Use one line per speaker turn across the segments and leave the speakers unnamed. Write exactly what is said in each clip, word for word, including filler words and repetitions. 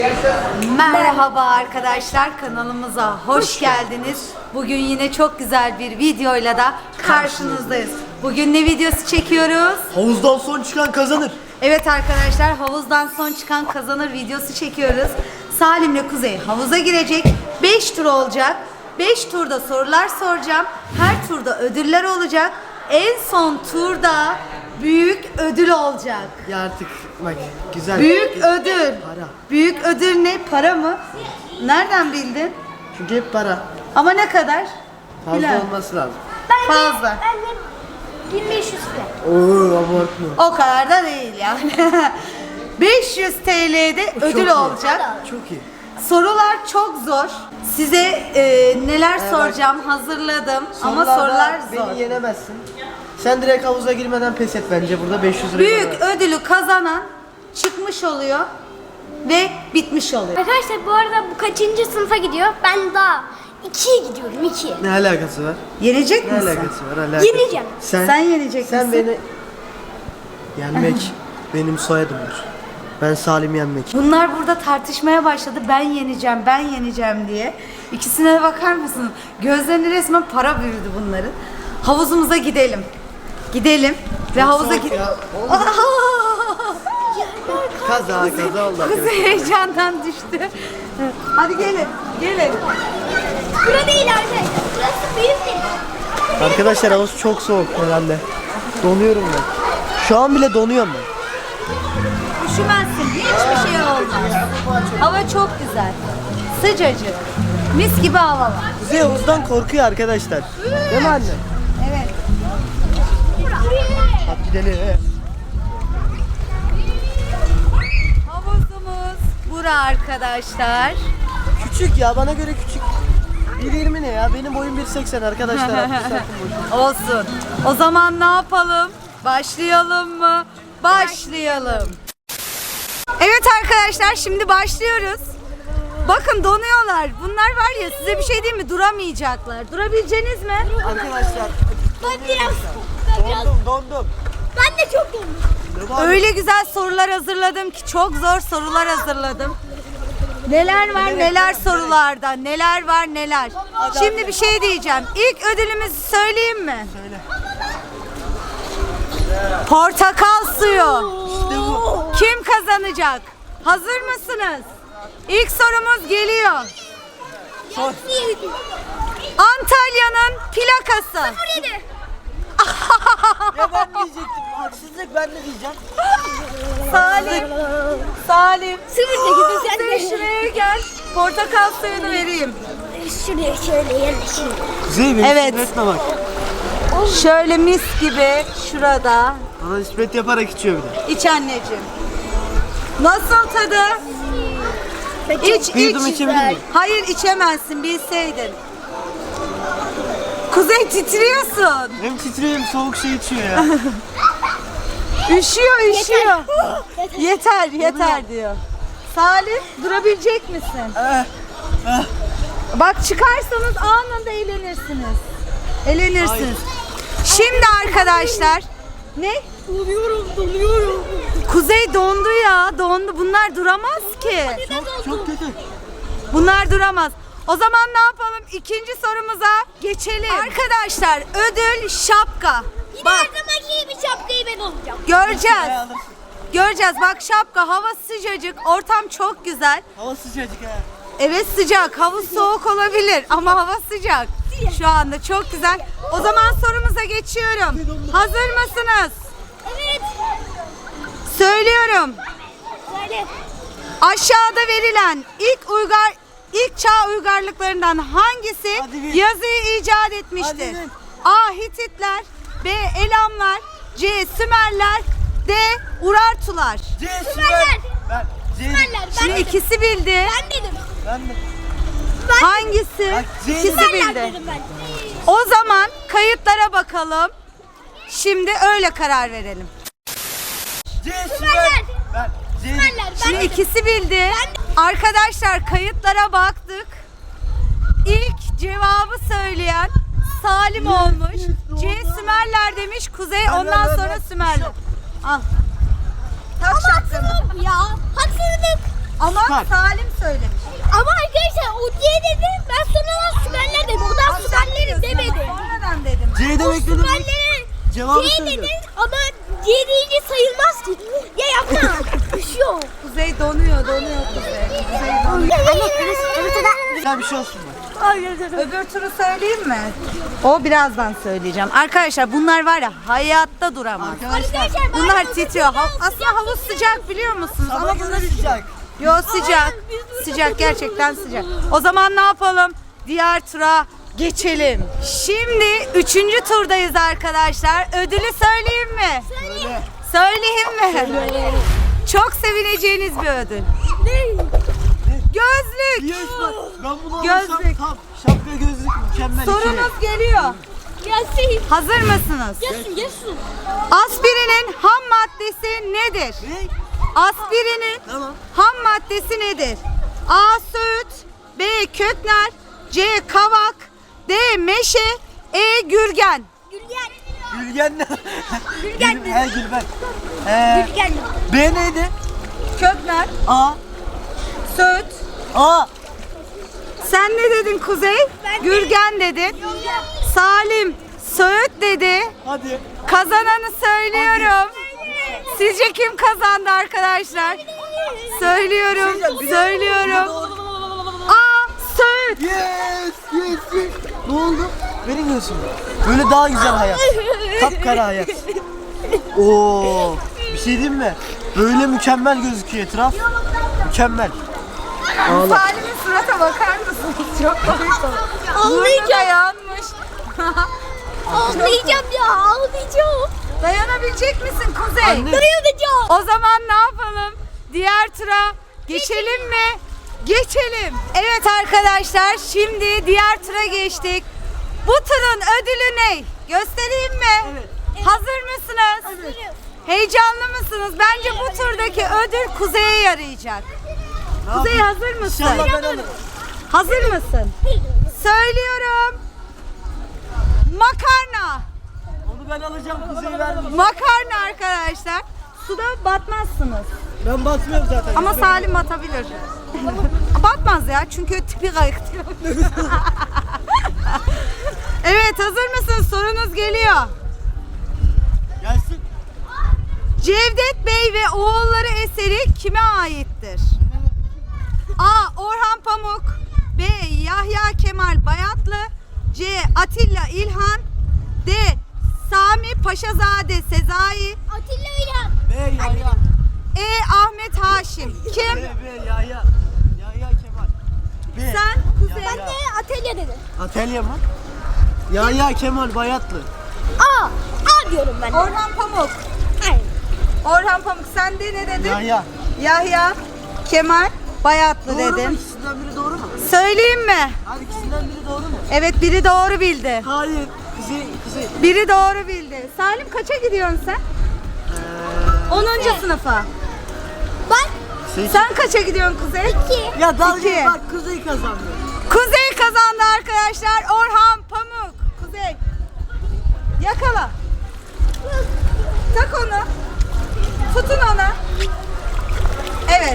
Merhaba arkadaşlar, kanalımıza hoş geldiniz. Bugün yine çok güzel bir videoyla da karşınızdayız. Bugün ne videosu çekiyoruz?
Havuzdan son çıkan kazanır.
Evet arkadaşlar, havuzdan son çıkan kazanır videosu çekiyoruz. Salim'le Kuzey havuza girecek. beş tur olacak. beş turda sorular soracağım. Her turda ödüller olacak. En son turda büyük ödül olacak.
Ya artık bak güzel.
Büyük ödül.
Para.
Büyük ödül ne? Para mı? Nereden bildin?
Çünkü hep para.
Ama ne kadar?
Fazla
Bilal.
olması lazım.
Ben
Fazla.
De, ben de bin beş yüz lira.
Oo abartma.
O kadar da değil yani. beş yüz T L'de ödül
iyi.
olacak.
Çok iyi.
Sorular çok zor. Size e, neler
Evet.
soracağım hazırladım ama
Sorularda
sorular zor.
Beni yenemezsin. Sen direkt havuza girmeden pes et bence burada beş yüz lira.
Büyük ödülü kazanan çıkmış oluyor ve bitmiş oluyor.
Arkadaşlar bu arada bu kaçıncı sınıfa gidiyor? Ben daha ikiye gidiyorum, ikiye.
Ne alakası var?
Yenecek
Ne
misin?
alakası var? Alakası.
Yeneceğim.
Sen,
Sen yenecek
sen
misin?
beni yenmek benim soyadımdır. Ben Salim yenmek.
Bunlar burada tartışmaya başladı. Ben yeneceğim, ben yeneceğim diye. İkisine de bakar mısın? Gözlerinde resmen para büyüdü bunların. Havuzumuza gidelim. Gidelim ve havuza
soğuk
gidelim.
ya. Kaza kaza oldu
Kız
arkadaşlar.
heyecandan düştü. Hadi gelin, gelin.
Bura değil arkadaşlar. Burası büyük değil.
Arkadaşlar havuz çok soğuk herhalde. Donuyorum ben. Şu an bile donuyorum ben.
Üşümezsin, hiçbir şey olmaz. Hava çok güzel. Sıcacık. Mis gibi hava var.
Kuzey havuzdan korkuyor arkadaşlar. Değil mi anne?
Evet.
Hadi gidelim.
Havuzumuz bura arkadaşlar.
Küçük ya, bana göre küçük. bir yirmi ne ya? Benim boyum bir seksen arkadaşlar. altmış santim boyum.
Olsun. O zaman ne yapalım? Başlayalım mı? Başlayalım. Evet arkadaşlar, şimdi başlıyoruz. Bakın donuyorlar. Bunlar var ya, size bir şey diyeyim mi? Duramayacaklar. Durabileceğiniz mi?
Arkadaşlar
Ben biraz, ben biraz,
dondum dondum.
ben de çok dondum.
Ne var?
Öyle güzel sorular hazırladım ki, çok zor sorular hazırladım. Neler var neler sorularda, neler var neler. Şimdi bir şey diyeceğim. İlk ödülümüzü söyleyeyim mi?
Söyle.
Portakal suyu.
İşte bu.
Kim kazanacak? Hazır mısınız? İlk sorumuz geliyor.
Sor.
Antalya'nın plakası.
Yedi.
Ya ben diyecektim. Haksızlık, ben de diyeceğim.
Salim. Salim.
Sıfır sekiz
Sen
sen de.
şuraya gel. Portakal suyunu vereyim.
Şuraya şöyle yerleşelim.
Kuzey beni
Evet.
etme bak.
Şöyle mis gibi şurada.
Bana nispet yaparak içiyor bir de.
İç anneciğim. Nasıl tadı? İç
Bir yudum
iç.
içebilir miyim?
Hayır, içemezsin, bilseydin. Kuzey, titriyorsun.
Hem titriyor hem soğuk şey içiyor ya.
Üşüyor üşüyor.
Yeter.
Yeter yeter diyor. Salim, durabilecek misin?
Eh, eh.
Bak, çıkarsanız anında eğlenirsiniz. Eğlenirsiniz. Şimdi arkadaşlar. Ne?
Donuyorum, donuyorum.
Kuzey dondu ya, dondu. Bunlar duramaz ki.
Çok, çok kötü.
Bunlar duramaz. O zaman ne yapalım? İkinci sorumuza geçelim. Arkadaşlar, ödül şapka.
Yine
Bak,
her zamanki gibi şapkayı ben olacağım.
göreceğiz. Göreceğiz. Bak, şapka, hava sıcacık, ortam çok güzel.
Hava sıcacık ha.
Evet, sıcak. Havuz soğuk olabilir ama hava sıcak. Şu anda çok güzel. O zaman sorumuza geçiyorum. Hazır mısınız?
Evet.
Söylüyorum.
Söyle.
Aşağıda verilen ilk uygar ilk çağ uygarlıklarından hangisi
Hadi bil.
yazıyı icat etmiştir?
Hadi bil.
A. Hititler, B. Elamlar, C. Sümerler, D. Urartular.
C
Sümerler.
Ben C
Sümerler. Ben
Şimdi
dedim.
ikisi bildi.
Ben dedim.
Ben de.
Hangisi?
Bak, C
İkisi
Sümerler
bildi.
dedim ben.
O zaman kayıtlara bakalım. Şimdi öyle karar verelim.
C
Sümerler.
Ben C
Sümerler. Ben
Şimdi
dedim.
ikisi bildi. Arkadaşlar, kayıtlara baktık. İlk cevabı söyleyen Salim olmuş. C. Sümerler demiş. Kuzey
Ben,
ondan
ben, ben,
sonra
ben.
Sümerler. Al. Tak şapkanı.
Ya haksızlık.
Ama
Süper.
Salim söylemiş.
Ama arkadaşlar o diye dedim. Ben sonradan süperler dedim. O da süperleri demedi.
Sonradan dedim.
C demek ne demek?
Süperleri
Cevabı
C
söyle.
dedin ama C deyince sayılmaz ki. Ya yapma. Üşüyor.
Kuzey donuyor, donuyor Kuzey. Kuzey donuyor.
Güzel bir şey olsun bak.
Öbür turu söyleyeyim mi? O birazdan söyleyeceğim. Arkadaşlar bunlar var ya hayatta duramaz.
Arkadaşlar
Bunlar titriyor. Ha- aslında havuz sıcak biliyor musunuz?
sabah
Ama
göre
bunlar
sıcak.
Yo sıcak. Sıcak gerçekten sıcak. O zaman ne yapalım? Diğer tura geçelim. Şimdi üçüncü turdayız arkadaşlar. Ödülü söyleyeyim mi?
Söyle.
Söyleyeyim mi? Çok sevineceğiniz bir ödül. Gözlük.
Yes bak. Ben bunu
Gözlük.
alırsam tam şapka gözlük mükemmel.
Sorunuz geliyor.
Gelsin.
Hazır mısınız?
Gelsin gelsin.
Aspirinin ham maddesi nedir?
Ne?
Aspirinin
Tamam.
ham maddesi nedir? A. Söğüt, B. Kökner, C. Kavak, D. Meşe, E. Gürgen.
Gülgen.
Gülgen ne?
Gülgen
Gül- He Gülben. Ee,
Gülgen.
B neydi?
Kökner,
A.
Söğüt.
A.
Sen ne dedin Kuzey?
Ben de-
Gürgen dedin. Salim, Söğüt dedi.
Hadi.
Kazananı söylüyorum. Sizce kim kazandı arkadaşlar? Söylüyorum, söylüyorum. A. Söğüt.
Yes, yes, yes. Ne oldu? Benim gözüm. Böyle daha güzel hayat. Kapkara hayat. Oo. Bir şey diyeyim mi? Böyle mükemmel gözüküyor etraf. Mükemmel. Ağla.
Salim'in surata bakar mısınız? Çok komik oldu. Burnu da
Ağlayacağım.
yanmış.
Ağlayacağım ya ağlayacağım.
Dayanabilecek misin Kuzey?
Anne.
Dayanacağım.
O zaman ne yapalım? Diğer tura geçelim mi? Geçelim. Evet arkadaşlar şimdi diğer tura geçtik. Bu turun ödülü ne? Göstereyim mi?
Evet.
Hazır mısınız? Heyecanlı mısınız? Bence bu turdaki ödül Kuzey'e yarayacak.
Ne
Kuzey
yapayım?
hazır mısın?
İnşallah ben alırım.
Hazır mısın? Söylüyorum. Makarna.
Onu ben alacağım. Kuzey vermeyeceğim.
Makarna arkadaşlar. Suda batmazsınız.
Ben basmıyorum zaten.
Ama Salim batabilir. Batmaz ya çünkü tipi kayık. Evet hazır mısınız? Sorunuz geliyor.
Gelsin.
Cevdet Bey ve oğulları eseri kime aittir? A. Orhan Pamuk, B. Yahya Kemal Bayatlı, C. Atilla İlhan, D. Sami Paşazade Sezai,
Atilla İlhan.
B Yahya.
E. Ahmet Haşim. Kim?
B B Yahya. Yahya Kemal. B.
Sen Kuzey.
Ben de Atilla dedim.
Atelye mi? Yahya Kemal Bayatlı.
A. A diyorum ben de.
Orhan Pamuk.
Hayır.
Orhan Pamuk sen de ne dedin?
Yahya.
Yahya Kemal Bayatlı
Doğru mu?
dedin.
İkisinden biri doğru mu?
Söyleyeyim mi?
Hadi ikisinden biri doğru mu?
Evet biri doğru bildi.
Hayır. Kuzey, Kuzey.
Biri doğru bildi. Salim kaça gidiyorsun sen? onuncu sınıfa.
Ben
Sekiz.
Sen kaça gidiyorsun Kuzey?
iki.
Ya dalga
İki.
bak Kuzey kazandı.
Kuzey kazandı arkadaşlar. Orhan Pamuk. Kuzey. Yakala. Tak onu. Tutun onu. Evet.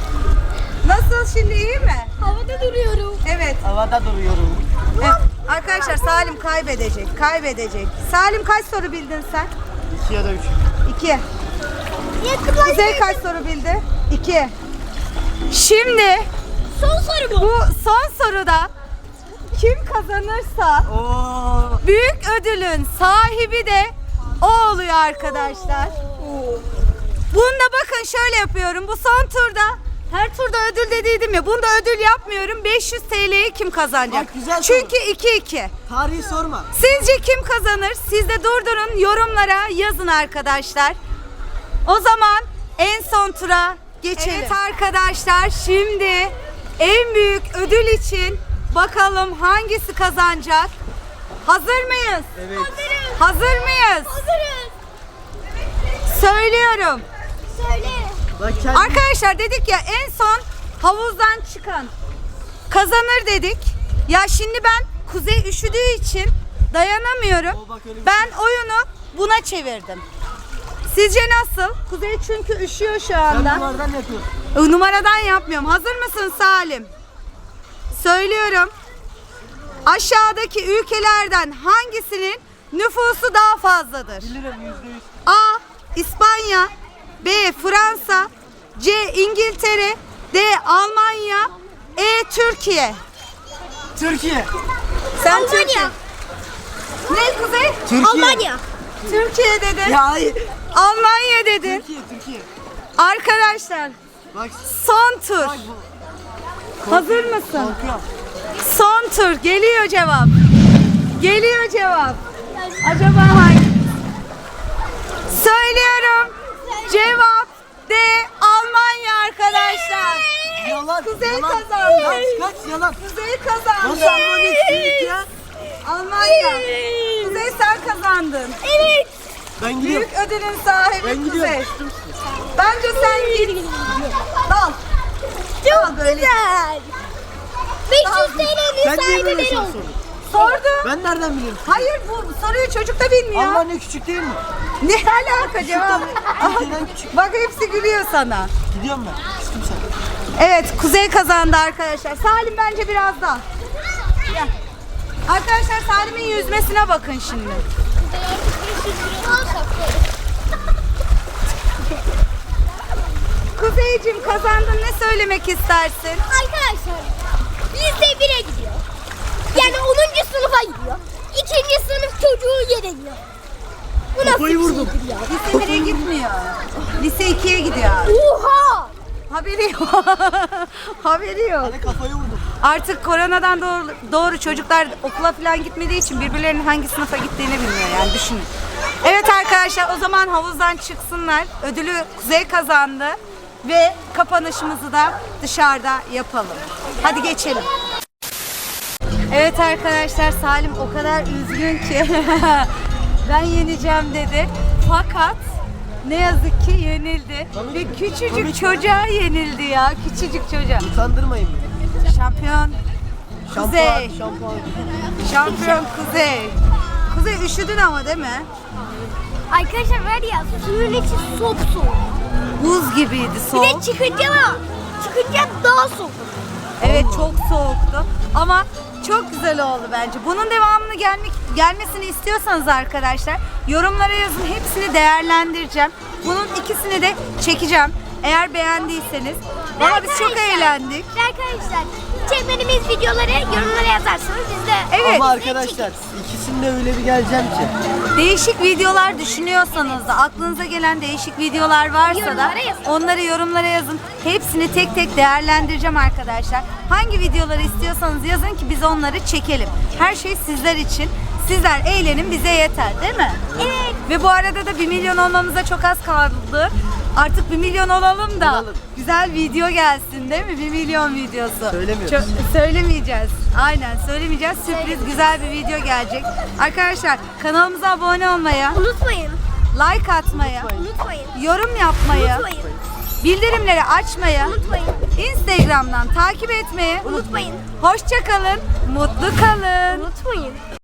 Nasıl şimdi iyi mi?
Havada duruyorum.
Evet.
Havada duruyorum.
Evet. Arkadaşlar Salim kaybedecek. Kaybedecek. Salim kaç soru bildin sen?
İki ya da üç.
İki.
Yakınlar.
Kuzey kaç soru bildi? İki. Şimdi
Son soru bu.
bu son soruda kim kazanırsa
Oo.
büyük ödülün sahibi de o oluyor arkadaşlar. Bunda bakın şöyle yapıyorum. Bu son turda her turda ödül dediydim ya. Bunda ödül yapmıyorum. beş yüz T L'yi kim kazanacak?
Bak, güzel soru.
Çünkü iki iki.
Tarihi sorma.
Sizce kim kazanır? Siz de durdurun yorumlara yazın arkadaşlar. O zaman en son tura geçelim. Evet arkadaşlar şimdi en büyük ödül için bakalım hangisi kazanacak? Hazır mıyız?
Evet.
Hazırız.
Hazır mıyız?
Hazırız.
Söylüyorum.
Söyle.
Bak kendi...
Arkadaşlar dedik ya en son havuzdan çıkan kazanır dedik. Ya şimdi ben Kuzey üşüdüğü için dayanamıyorum.
Oo, bak öyle bir
Ben oyunu buna çevirdim. Sizce nasıl? Kuzey çünkü üşüyor şu
Ben
anda.
bunlardan yapıyorum.
Numaradan yapmıyorum. Hazır mısın Salim? Söylüyorum. Aşağıdaki ülkelerden hangisinin nüfusu daha fazladır?
Bilirim yüzde yüz.
A. İspanya, B. Fransa, C. İngiltere, D. Almanya, E. Türkiye.
Türkiye.
Sen
Almanya.
Türkiye. Ne Kuzey?
Türkiye.
Almanya.
Türkiye dedin.
Ya hayır.
Almanya dedin.
Türkiye, Türkiye.
Arkadaşlar
Bak,
son tur.
bak bu.
Hazır mısın?
Korkuyorum.
Son tur. Geliyor cevap. Geliyor cevap. Acaba hangi? Söylüyorum. Cevap D. Almanya arkadaşlar.
Yalan.
Kuzey
yalan.
kazandı.
Kaç, kaç yalan.
Kuzey kazandı.
Nasıl Almanya istiyoruz ya?
Almanya. Kuzey sen kazandın.
Evet.
Ben gidiyorum.
Büyük ödülün sahibi
Ben
Kuzey.
gidiyorum.
Bence sen git. Dal. Dal böyle.
Güzel. beş yüz T L'nin
Ben niye
sahibi
böyle
ben
şey
oldum.
sordum?
Sordu.
Ben nereden biliyorum?
Hayır bu soruyu çocuk da bilmiyor.
Almanya küçük değil mi?
Ne alaka cevap?
Türkiye'den küçük.
Bak hepsi gülüyor sana.
Gidiyorum ben. Küstüm sen.
Evet Kuzey kazandı arkadaşlar. Salim bence biraz daha. Gel. Arkadaşlar Salim'in yüzmesine bakın şimdi. Kuzeyciğim kazandın, ne söylemek istersin?
Arkadaşlar lise bire gidiyor. Yani onuncu sınıfa gidiyor. İkinci sınıf çocuğu yeniliyor. Bu nasıl
Kafayı
bir
vurdum.
şeydir ya?
Lise bire gitmiyor. Lise ikiye gidiyor.
Oha!
Haberi yok. Haberi yok.
Hadi kafayı vurdum.
Artık koronadan doğru, doğru çocuklar okula falan gitmediği için birbirlerinin hangi sınıfa gittiğini bilmiyor yani, düşünün. Evet arkadaşlar, o zaman havuzdan çıksınlar. Ödülü Kuzey kazandı ve kapanışımızı da dışarıda yapalım. Hadi geçelim. Evet arkadaşlar, Salim o kadar üzgün ki ben yeneceğim dedi. Fakat ne yazık ki yenildi ve küçücük çocuğa yenildi ya, küçücük çocuğa.
Utandırmayın beni.
Şampiyon Kuzey.
Şampuan, şampuan.
Şampiyon Kuzey. Kuzey üşüdün ama değil mi?
Arkadaşlar var ya, suyun içi soğuk soğuk.
Buz gibiydi,
Bir de
soğuk.
çıkınca da çıkınca daha soğuk.
Evet, çok soğuktu ama çok güzel oldu bence. Bunun devamını gelmek gelmesini istiyorsanız arkadaşlar yorumlara yazın, hepsini değerlendireceğim. Bunun ikisini de çekeceğim. Eğer beğendiyseniz. Valla biz çok
Arkadaşlar,
eğlendik.
ve Arkadaşlar çekmediğimiz videoları yorumlara yazarsanız biz de
Evet.
Ama arkadaşlar ikisinde öyle bir geleceğim ki.
Değişik videolar düşünüyorsanız da, aklınıza gelen değişik videolar varsa da
Yorumlara yazın.
onları yorumlara yazın. Hepsini tek tek değerlendireceğim arkadaşlar. Hangi videoları istiyorsanız yazın ki biz onları çekelim. Her şey sizler için. Sizler eğlenin, bize yeter değil mi?
Evet.
Ve bu arada da bir milyon olmamıza çok az kaldı. Artık bir milyon olalım da
Olalım.
güzel video gelsin değil mi? Bir milyon videosu.
Söylemiyoruz.
Çok- söylemeyeceğiz. Aynen söylemeyeceğiz. Sürpriz güzel bir video gelecek. Arkadaşlar kanalımıza abone olmayı,
Unutmayın.
like atmayı,
Unutmayın.
yorum yapmayı,
Unutmayın.
bildirimleri açmayı,
Unutmayın.
Instagram'dan takip etmeyi
Unutmayın.
Hoşça kalın, mutlu kalın.
Unutmayın.